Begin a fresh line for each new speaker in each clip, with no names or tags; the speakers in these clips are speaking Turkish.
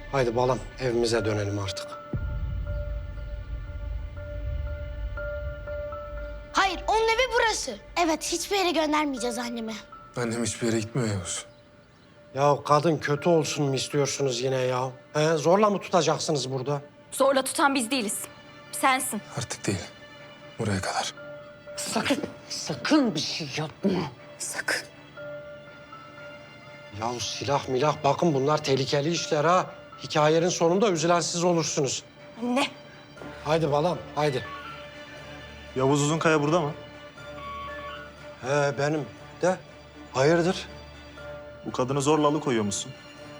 Haydi balam evimize dönelim artık.
Hayır, onun evi burası. Evet, hiçbir yere göndermeyeceğiz annemi.
Annem hiçbir yere gitmiyor Yavuz.
Ya kadın kötü olsun mu istiyorsunuz yine ya? He, zorla mı tutacaksınız burada?
Zorla tutan biz değiliz. Sensin.
Artık değil. Buraya kadar.
Sakın bir şey yapma. Sakın.
Ya silah milah bakın bunlar tehlikeli işler ha. Hikayenin sonunda üzülen siz olursunuz.
Anne.
Haydi balam haydi.
Yavuz Uzunkaya burada mı?
He benim de. Hayırdır?
Bu kadını zorla alıkoyuyor musun?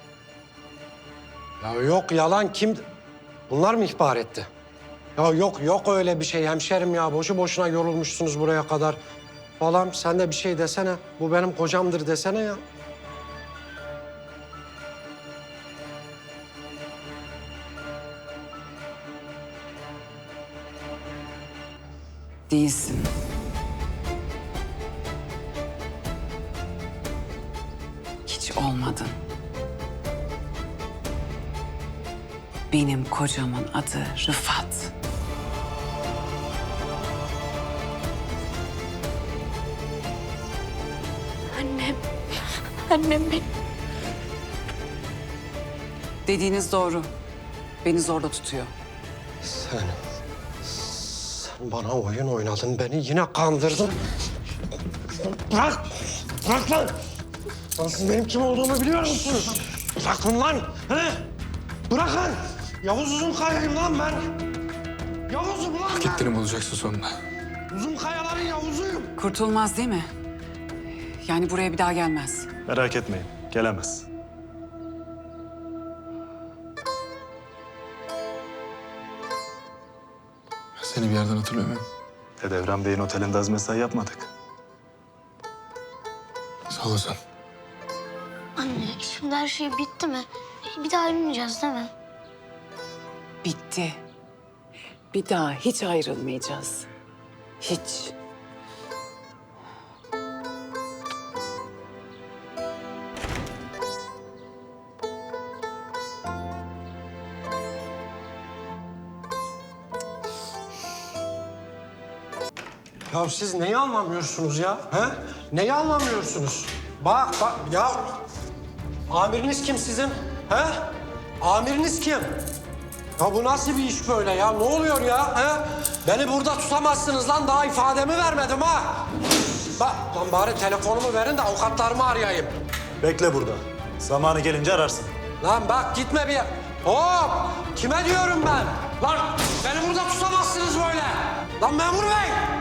Ya yok yalan kim? Bunlar mı ihbar etti? Ya yok öyle bir şey hemşerim ya. Boşu boşuna yorulmuşsunuz buraya kadar. Balam sen de bir şey desene. Bu benim kocamdır desene ya.
Değilsin. Hiç olmadın. Benim kocamın adı Rıfat.
Annem. Annem benim.
Dediğiniz doğru. Beni zorla tutuyor.
Sen bana oyun oynadın. Beni yine kandırdın. Bırak! Bırak lan! Lan siz benim kim olduğumu biliyor musunuz? Bırakın lan! He? Bırakın! Yavuz Uzunkaya'yım lan ben! Yavuz'um lan ben!
Gittiğini bulacaksın sonunda.
Uzunkayaların Yavuz'uyum.
Kurtulmaz değil mi? Yani buraya bir daha gelmez.
Merak etmeyin, gelemez.
Ben seni bir yerden hatırlıyor muyum?
Dedevran Bey'in otelinde az mesai yapmadık.
Sağ olasın.
Anne, şimdi her şey bitti mi? Bir daha ayrılmayacağız değil mi?
Bitti. Bir daha hiç ayrılmayacağız. Hiç.
Ya siz neyi anlamıyorsunuz ya? He? Neyi anlamıyorsunuz? Bak ya. Amiriniz kim sizin? He? Amiriniz kim? Ya bu nasıl bir iş böyle ya? Ne oluyor ya? He? Beni burada tutamazsınız lan. Daha ifademi vermedim ha. Bak lan bari telefonumu verin de avukatlarımı arayayım.
Bekle burada. Zamanı gelince ararsın.
Lan bak gitme bir yer. Hop! Kime diyorum ben? Lan beni burada tutamazsınız böyle. Lan memur bey!